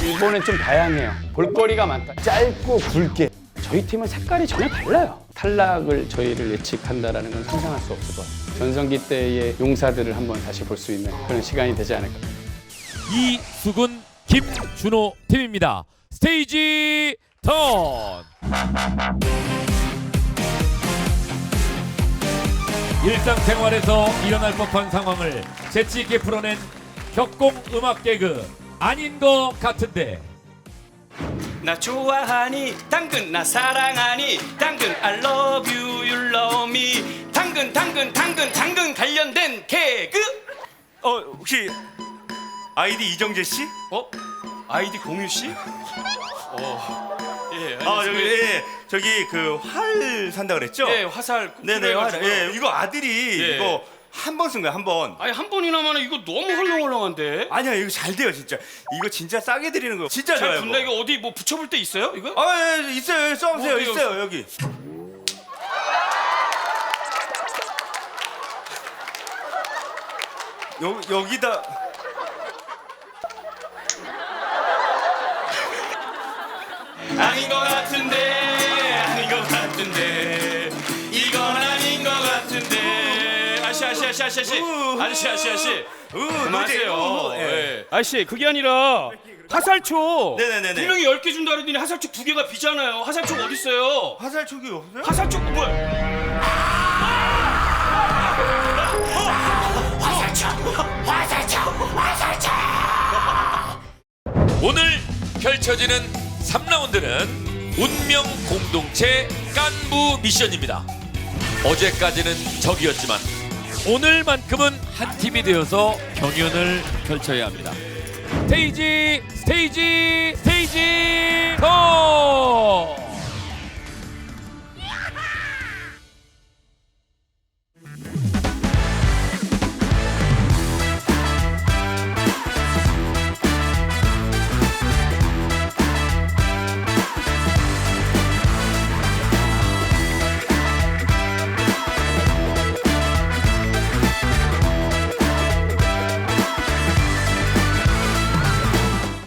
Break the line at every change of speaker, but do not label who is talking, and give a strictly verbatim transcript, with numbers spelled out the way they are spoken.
이번엔 좀 다양해요. 볼거리가 많다. 짧고 굵게. 저희 팀은 색깔이 전혀 달라요. 탈락을 저희를 예측한다는 건 상상할 수 없을 것 같아요. 전성기 때의 용사들을 한번 다시 볼 수 있는 그런 시간이 되지 않을까.
이수근, 김준호 팀입니다. 스테이지 턴! 일상생활에서 일어날 법한 상황을 재치 있게 풀어낸 격공 음악 개그 아닌 것 같은데.
나 좋아하니 당근 나 사랑하니 당근 I love you you love me 당근 당근 당근 당근 관련된 개그.
어 혹시 아이디 이정재 씨?
어? 아이디 공유 씨? 어. 예.
아 저기
안녕하세요.
예 저기 그 활 산다 그랬죠?
예, 화살.
네네 활.
그래가지고.
예 이거 아들이
예.
이거 한 번 쓴 거야 한 번.
아니 한 번이나마는 이거 너무 헐렁헐렁한데.
아니야 이거 잘 돼요 진짜. 이거 진짜 싸게 드리는 거 진짜
잘
좋아요.
분다.
이거.
이거 어디 뭐 붙여볼 데 있어요? 이거?
아 예, 있어요 여기 써보세요
어디요?
있어요 여기. 여 여기다.
아닌 것 같은데 아닌 것 같은데 이건 아닌 것 같은데. 아저씨 아저씨 아저씨 아저씨
우후.
아저씨 아저씨 아저씨
으,
그만하세요.
우후, 예.
예. 아저씨 그게 아니라 화살촉
네네네네.
분명히 열 개 준다 그러더니 화살촉 두 개가 비잖아요. 화살촉 어디 있어요?
화살촉이 없어요?
화살촉 뭐야?
오늘 펼쳐지는 삼 라운드는 운명 공동체 깐부 미션입니다. 어제까지는 적이었지만 오늘만큼은 한 팀이 되어서 경연을 펼쳐야 합니다. 스테이지 스테이지 스테이지 더!